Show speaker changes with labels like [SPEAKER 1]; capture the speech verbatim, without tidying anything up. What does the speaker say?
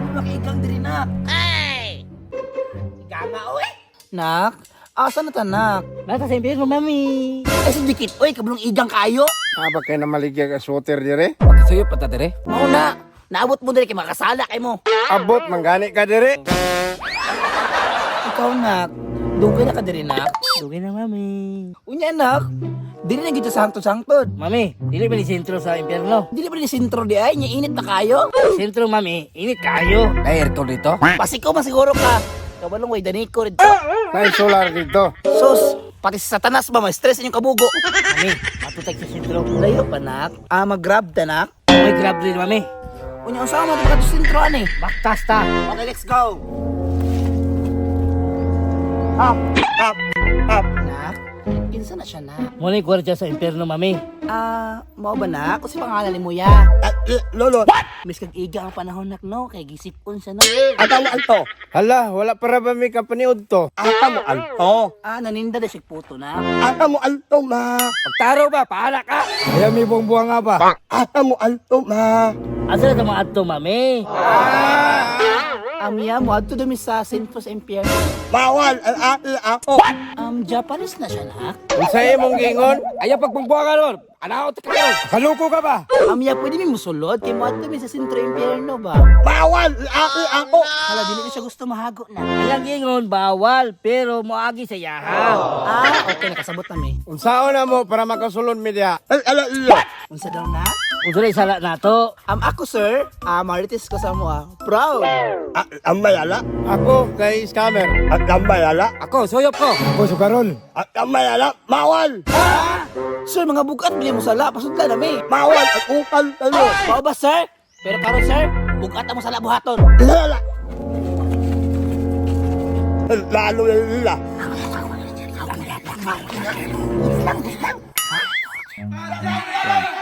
[SPEAKER 1] makiigang diri nak. Ay! Ika nga, oy! Nak, asa na ta, nak?
[SPEAKER 2] Nasa sa impyerno, mami.
[SPEAKER 1] Ay, si Dikit, oy, kablong igang kayo.
[SPEAKER 3] Aba kay na maligya ka sweater dire?
[SPEAKER 2] Suyo pa ta dire.
[SPEAKER 1] Mauna, naabot mo diri kay makasala kay mo.
[SPEAKER 3] Abot manggani ka dire?
[SPEAKER 1] Ikaw, nak, dugay na ka diri, nak.
[SPEAKER 2] Dugay na, mami.
[SPEAKER 1] Unya, nak, diri na gito sangtod-sangtod.
[SPEAKER 2] Mami, dili ba ni sentro sa impyerno?
[SPEAKER 1] Dili pa rin sintro di ay, nya init na kayo.
[SPEAKER 2] Sentro, mami. Init kayo. Ay, aircon dito.
[SPEAKER 1] Pasiko masiguro ka. Kabalong way daniko rin.
[SPEAKER 3] Nay solar dito.
[SPEAKER 1] Sus, pati sa satanas ba, ma-stress inyong kabugo.
[SPEAKER 2] Mami, matutag sa sentro.
[SPEAKER 1] Layo pa, nak. Ah, mag-grab ta, nak.
[SPEAKER 2] May grab din, mami.
[SPEAKER 1] Unya, ang sama ito ka sintro, ani.
[SPEAKER 2] Baktas ta.
[SPEAKER 1] Okay, let's go. Up, up, up. Nak, kinsa na siya, nak?
[SPEAKER 2] Muna yung kwartya sa impyerno, mami.
[SPEAKER 1] Ah, mau ba, nak? Kasi pangalan ni Muya.
[SPEAKER 3] Ah, lolo.
[SPEAKER 1] Miss kag iga ang panahon, nak, no? Kay gisipon siya, no?
[SPEAKER 3] Ata mo alto. Hala, wala para ba may kapaniod to? Ata mo alto.
[SPEAKER 1] Ah, naninda na siya puto, na.
[SPEAKER 3] Ata mo alto ma.
[SPEAKER 2] Pagtaro ba? Pahala ka.
[SPEAKER 3] Kaya may buong-buwang nga ba? Ata mo alto ma.
[SPEAKER 2] Asa na mga ato, mami?
[SPEAKER 1] Amiya mo, adto dumi sa Saint Paul's Empire.
[SPEAKER 3] Bawal ang ati ako.
[SPEAKER 1] Um, Japanese na siya, nak.
[SPEAKER 3] Unsa imong gingon? Ayaw pagbubuang ka ron. Anaw ta kayo. Kaluko ka ba?
[SPEAKER 1] Amiya, pwede mi musulod kay mo adto mi sa Sentro Impierno ba?
[SPEAKER 3] Bawal ang ati ako.
[SPEAKER 1] Hala, dili ko siya gusto mahago na.
[SPEAKER 2] Alang ingon, bawal, pero moagi sa yahaw.
[SPEAKER 1] Ah, okay, nakasabot na mi.
[SPEAKER 3] Unsaon na mo para makasulod mi diha? Ay, ala, ala.
[SPEAKER 1] Unsa daw na?
[SPEAKER 2] Kung sila sala na to,
[SPEAKER 1] Um, ako, sir, ah, marites ko sa mo, ah. Proud.
[SPEAKER 3] Ang mayala? Ako, kay scammer. At ang mayala?
[SPEAKER 2] ako, suyop ko.
[SPEAKER 3] Ako, sukaron. At ang mayala? Mawal!
[SPEAKER 1] Sir, mga bugat, bili mo sala, pasudla na mi.
[SPEAKER 3] Mawal! At ukal tayo!
[SPEAKER 1] Mao ba, sir? Pero karon, sir, bugat mo sala buhaton.
[SPEAKER 3] Lala! Lalo na nila.
[SPEAKER 1] Yan.